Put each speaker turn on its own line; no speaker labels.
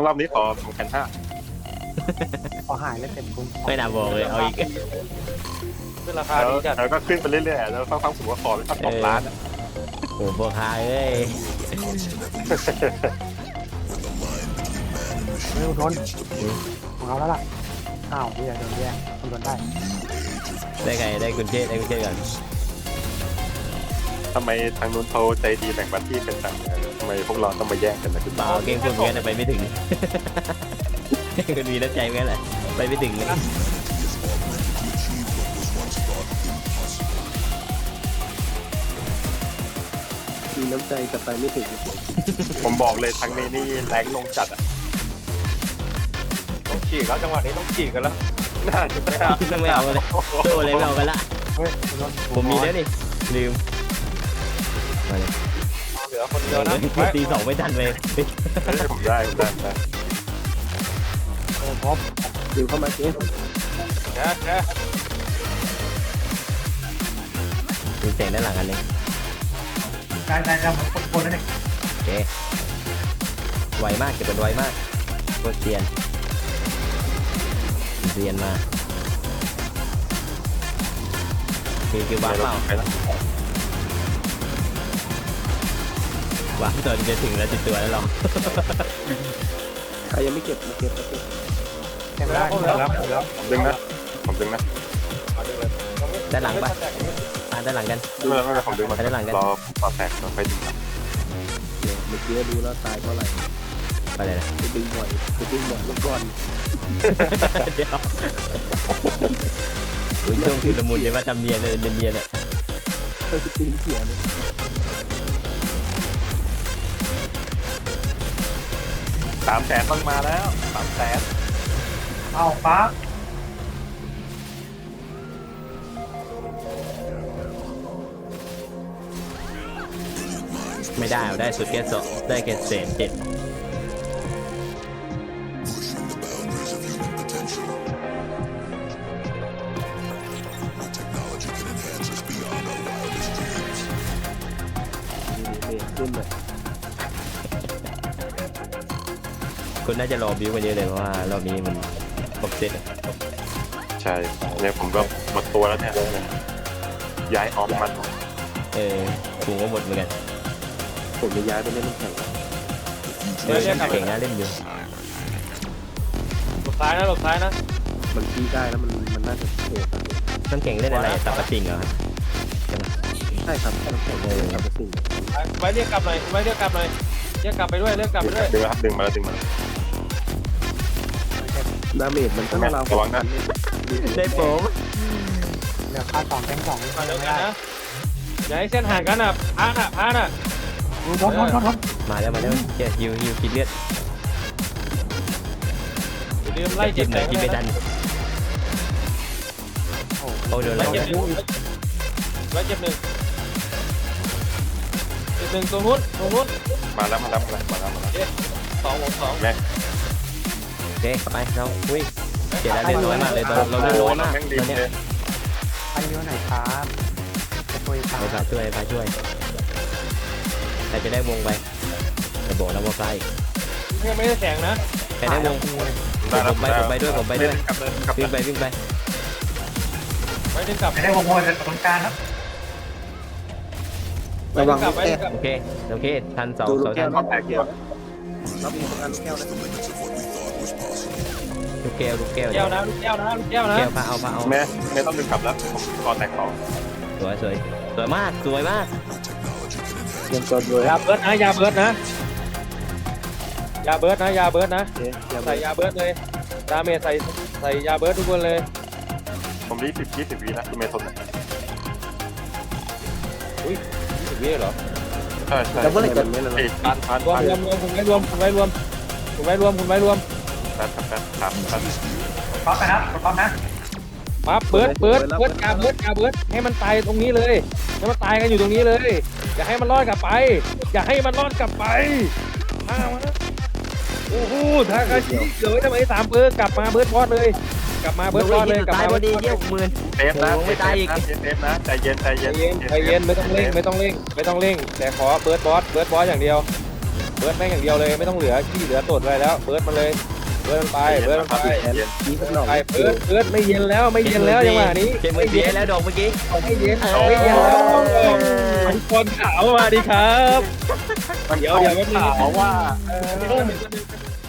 รอบนี้ขอ2,500
ขอหายเลยเต็มคุ้ม
ไม่น่าบอกเลยเอาอีก
ขึ้นราคา
แล้ว
ดีจัด
แล้วก็ขึ้นไปเรื่อยๆแล้วฟังสูงว่าขอไปสัก2 ล้าน
โอ้โหพ่อค้าเอ้ย
ไม่ต้องทนของเราแล้วล่ะอ้าวพี่โดนแย่งทนได้
ได้ไงได้คุณเชษก่อน
ทำไมทางนู้นเขาใจดีแบ่งบัตรที่เป็นต่างทำไมพวกเราต้องมาแย่งกันนะคุณ
เปล่าเกมคุณเหมือนกันแต่ไปไม่ถึงคุณมีน้ำใจเหมือนกันแหละไปไม่ถึงเลย
มีน้ำใจแต่ไปไม่ถึง
ผมบอกเลยทางนี้นี่แรงลงจัดอ่ะ
ต้องฉีกแล้วจังหวะนี้ต้องฉีกกันแล้ว
น่าจะไม่ได้
ไม่เอาเลยโตเลยไม่เอากันละ
เฮ้ย
ผมมีแล้วนี่ลืมมาเลย
เหลือคนเดียวนะ
ตี2ไม่ทันเลย
ผมได้
พบ
ดิวเข้ามาเจ๊
แค่แค่
มีเสียงด้านหลังกันเลย
ได้คนนั่นเอง
โอเคไวมากเก็บเป็นไวมากโคตรเซียนมาคือว้าเปล่าว้าตอนจะถึงแล้วติดตัวแล้วหรอ
ใครยังไม่เก็บมาเก็บ
เต็มได้แล้ว
ผมดึงนะ
ด้านหลังปะด้านหลังกัน
ไม่ผมดึงมารอต่อแตกต่อไปดึง
เมื่อกี้รู้แล้วตายเพราะอะไร
ไปเลยนะ
ไปดึงบ่อยแล้วก่อน
เดี๋ยวช่วงที่ละมุนเลยว่าจำเนียนเลยเนียนเนี่ย
ก็จะตีเสียเลย
300,000ต้องมาแล้ว300,000
เอาปั๊บ
ไม่ได้เอาได้สุดแค่สองได้แค่เศษ7
ขึ้นเลย
คุณน่าจะรอบิวกันเยอะเลยเพราะว่ารอบนี้มันครบเซต
ใช่เนี่ยผมก็หมดตัวแล้วเนี่ยย้ายออมมัน
กูก็หมดเหมือนกัน
ผมจะย้ายไปเล่นน้ำแข็ง
เก่งนะเล่นอยู่
หลบซ้ายนะหลบซ้ายนะ
มันตีได้แล้วมันน่าจะเสีย
ต้องเก่งเล่นอะไรตับปะติงเหรอครับ
ใช่ครับน้ำแข็งกับสิ่ง
ไว้เรียกกลับหน่อยไว้เรียกกลับหน่อยเรียกกลับไปด้วยเรียกกลับไปด้วย
ดึงแล้วครับดึงมาแล้ว
ดาเมจมันต้องเรา
ระวังนะ
ได้ผม
เหลือค่า2แกง2
มาเดียวกันนะอย่าให้เส้นห่างกันอ่ะพาน่ะ
ทน
มาแล้วเจ๊ฮิวกินเลือด
อย่าลืมไล่เจ็บ
หน่อยกินไม่ทันโอ้เดี๋ยว
ไล่
เรา
เจ็บหนึ่งไล่เจ็บหนึ่งตรงนู้น
มาแล้ว
2
โอเคไปเราวิ่งเจ๊ได้เล่นน้อยมากเลยเราเล่นน้อยมาก
แม่งดี
ตอนเนี้ย
เลย
ไปเยอะไหนครับจะช่วยตา
ไปช่วยแต่จะได้วงไปแต่บอกแล้วว่าใกล้
ไม่ได้แข่งนะ
แต่ได้วงผมไปด้วยวิ่งไป
ไม่ได้กลับ
ได้วงโมยเป็นตรงกลางครับ
ระวัง
กลับ
ลูกแก้ว
โอเคทัน2
ดูลูกแก้ว
ทัน
แตกเดียวเรามีประกันลูกแก้วนะ
ลูกแก้ว
แก้วนะลูกแก้วนะ
แก้วพาเอา
ไม่ต้องดึงกลับแล้วผมคอแตกต่อ
สวยมาก
เตรียมตัวเลย
ยาเบิร์ดนะยาเบิร์ดนะใส่ยาเบิร์ดเลยดาเมจใส่ยาเบิร์ดทุกคนเลย
ผมรีบ20 วินะที่เมทน
20 วิเหรอ
ใช่
แล้วเมื่อไหร่จะไม่ละ
ไอ้พัน
รวมคุณไม่รวมแป๊บ
ปั๊บนะครับปั๊บนะ
ปั๊บเบิร์ดกาเบิร์ดให้มันตายตรงนี้เลยให้มันตายกันอยู่ตรงนี้เลยอย่าให้มันรอดกลับไปมาโอ้โหทากาชิเกิดทำไม3เบิร์ดกลับมาเบิร์ดพอดเลยกลับมาเบิร์ดพอดเลยกลับ
ตาย
มา
พอดีเยี่ยมมือ
เซฟนะใจเย็น
ใจเย็นไม่ต้องเร่งแต่ขอเบิร์ดบอสอย่างเดียวเบิร์ดแม่งอย่างเดียวเลยไม่ต้องเหลือขี้เหลือตดอะไรแล้วเบิร์ดมาเลยเบิร์ดมันไปเบิร์ดมันไป
นี่สักหน่อย
ไปเบิร์ดไม่เย็นแล้วไม่เย็นแล้วจังหวะนี้
เกมมือเสียแล้วดอกเมื่อกี้
ไม่เย็นไม่เย็นแล้วมังกรขาวมาดีครับเดี๋ยวไม่
ถามว่า